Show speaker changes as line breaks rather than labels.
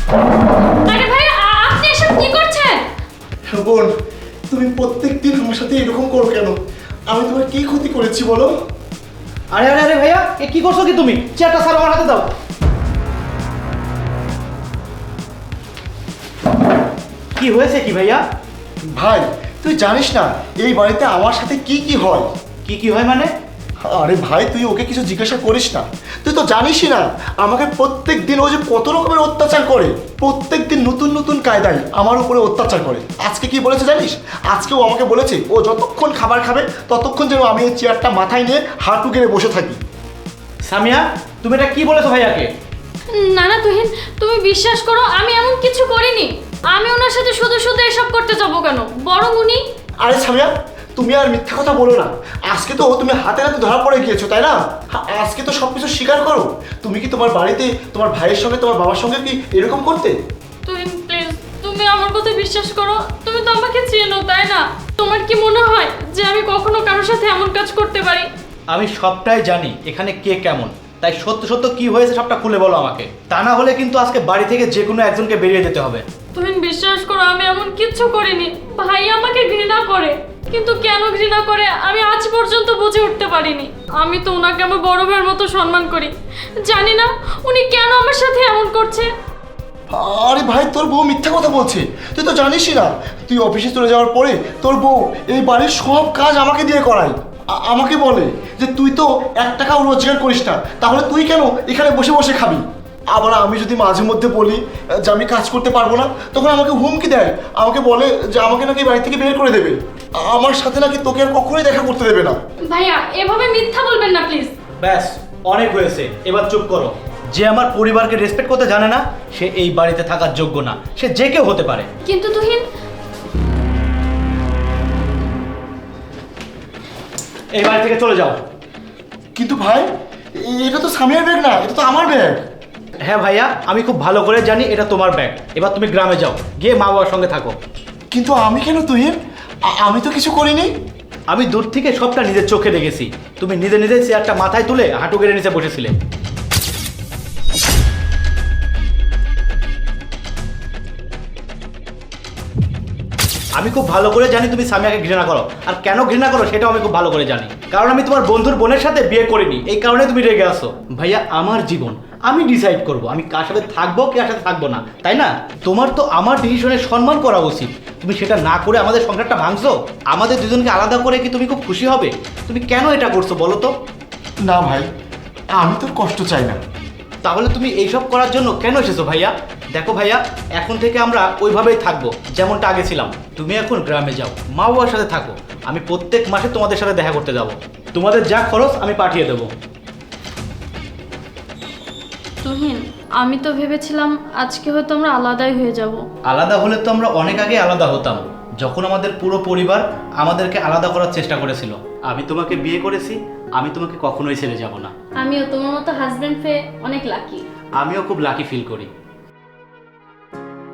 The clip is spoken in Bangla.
আরে ভাই, আপনি এসব কি করছেন?
বোন, তুমি প্রত্যেকদিন আমার সাথে এরকম করো কেন? আমি তোমার কি ক্ষতি করেছি বলো?
আরে আরে আরে ভাইয়া, এ কি করছো কি তুমি? চেয়ারটা স্যার আমার হাতে দাও। কি হয়েছে কি ভাইয়া?
ভাই, তুই জানিস না এই বাড়িতে আমার সাথে কি কি হয়?
কি হয় মানে?
আরে ভাই, তুই ওকে কিছু জিজ্ঞাসা করিস না। তুই তো জানিসই না আমাকে প্রত্যেক দিন ও যে কত রকমের অত্যাচার করে। প্রত্যেক দিন নতুন নতুন কায়দায় আমার উপরে অত্যাচার করে। আজকে কি বলেছে জানিস? আজকেও আমাকে বলেছে ও যতক্ষণ খাবার খাবে ততক্ষণ যেন আমি এই চেয়ারটা মাথায় নিয়ে হাঁটু গেড়ে বসে থাকি।
সামিয়া, তুমি এটা কি বলেছো ভাইয়াকে?
না না তুহিন, তুমি বিশ্বাস করো আমি এমন কিছু করিনি। আমি ওনার সাথে শুধু শুধু এসব করতে যাবো কেন? বরং উনি...
আরে সামিয়া, তুমি আর মিথ্যা কথা বলো না। আজকে তো তুমি হাতে হাতে ধরা পড়ে গিয়েছো, তাই না? আজকে তো সব কিছু স্বীকার করো। তুমি কি তোমার বাড়িতে তোমার ভাইয়ের সঙ্গে তোমার বাবার সঙ্গে কি এরকম করতে?
তুহিন প্লিজ, তুমি আমার কথা বিশ্বাস করো। তুমি তো আমাকে চেনো, তাই না? তোমার কি মনে হয় যে আমি কখনো কারোর সাথে এমন কাজ করতে পারি?
আমি সবটাই জানি এখানে কে কেমন, তাই সত্য সত্য কি হয়েছে সবটা খুলে বলো আমাকে। তা না হলে কিন্তু আজকে বাড়ি থেকে যে কোনো একজনকে বেরিয়ে যেতে হবে।
তুহিন বিশ্বাস করো, আমি এমন কিচ্ছু করিনি। ভাই আমাকে ঘৃণা করে, কিন্তু কেন ঘৃণা করে আমি আজ পর্যন্ত বুঝে উঠতে পারিনি। আমি তো ওনাকে আমার বড় ভাইয়ের মতো সম্মান করি। জানি না উনি কেন আমার সাথে এমন করছে।
আরে ভাই, তোর বউ মিথ্যা কথা বলছে। তুই তো জানিসই না, তুই অফিসে চলে যাওয়ার পরে তোর বউ এই বাড়ির সব কাজ আমাকে দিয়ে করায়। আমাকে বলে যে তুই তো 1 টাকাও রোজগার করিস না, তাহলে তুই কেন এখানে বসে বসে খাবি? আবার আমি যদি মাঝে মধ্যে বলি যে আমি কাজ করতে পারবো না, তখন আমাকে হুমকি দেয়। আমাকে বলে যে আমাকে নাকি বাড়ি থেকে বের করে দেবে। আমার সাথে নাকি তোকে আর কখনোই দেখা করতে দেবে না।
ভাইয়া এভাবে মিথ্যা বলবেন না প্লিজ।
ব্যাস, অনেক হয়েছে, এবার চুপ করো। যে আমার পরিবারকে রেসপেক্ট করতে জানে না সে এই বাড়িতে থাকার যোগ্য না। সে যে কেউ হতে পারে।
কিন্তু তুহিন...
এই বাড়ি থেকে চলে যাও।
কিন্তু ভাই, এটা তো সামিয়ার ব্যাগ না, এটা তো আমার ব্যাগ।
হ্যাঁ ভাইয়া, আমি খুব ভালো করে জানি এটা তোমার ব্যাগ। এবার তুমি গ্রামে যাও, গিয়ে মা বাবার সঙ্গে থাকো।
কিন্তু আমি কেন তুহিন? আমি তো কিছু করিনি।
আমি দূর থেকে সবটা নিজের চোখে দেখেছি। তুমি নিজে নিজে চেয়ারটা মাথায় তুলে হাঁটু গেড়ে নিচে বসেছিলে। আমি খুব ভালো করে জানি তুমি সামিয়াকে ঘৃণা করো, আর কেন ঘৃণা করো সেটাও আমি খুব ভালো করে জানি। কারণ আমি তোমার বন্ধুর বোনের সাথে বিয়ে করিনি, এই কারণে তুমি রেগে আসো। ভাইয়া, আমার জীবন আমি ডিসাইড করব আমি কার সাথে থাকবো কার সাথে থাকবো না, তাই না? তোমার তো আমার ডিসিশনের সম্মান করা উচিত। তুমি সেটা না করে আমাদের সংসারটা ভাঙছো। আমাদের দুজনকে আলাদা করে কি তুমি খুব খুশি হবে? তুমি কেন এটা করছো বলো তো?
না ভাই, আমি তোর কষ্ট চাই না।
তাহলে তুমি এইসব করার জন্য কেন এসেছো ভাইয়া? দেখো ভাইয়া, এখন থেকে আমরা ওইভাবেই থাকবো যেমনটা আগে ছিলাম। তুমি এখন গ্রামে যাও, মা বাবার সাথে থাকো। আমি প্রত্যেক মাসে তোমাদের সাথে দেখা করতে যাব। তোমাদের যা খরচ আমি পাঠিয়ে দেবো।
তুহিন, আমি তো ভেবেছিলাম আজকে হয়তো আমরা আলাদাই হয়ে যাব।
আলাদা হলে তো আমরা অনেক আগে আলাদা হতাম, যখন আমাদের পুরো পরিবার আমাদেরকে আলাদা করার চেষ্টা করেছিল। আমি তোমাকে বিয়ে করেছি, আমি তোমাকে কখনোই ছেড়ে যাব না।
আমিও তোমার মতো হাজবেন্ড পেয়ে অনেক লাকি।
আমিও খুব লাকি ফিল করি।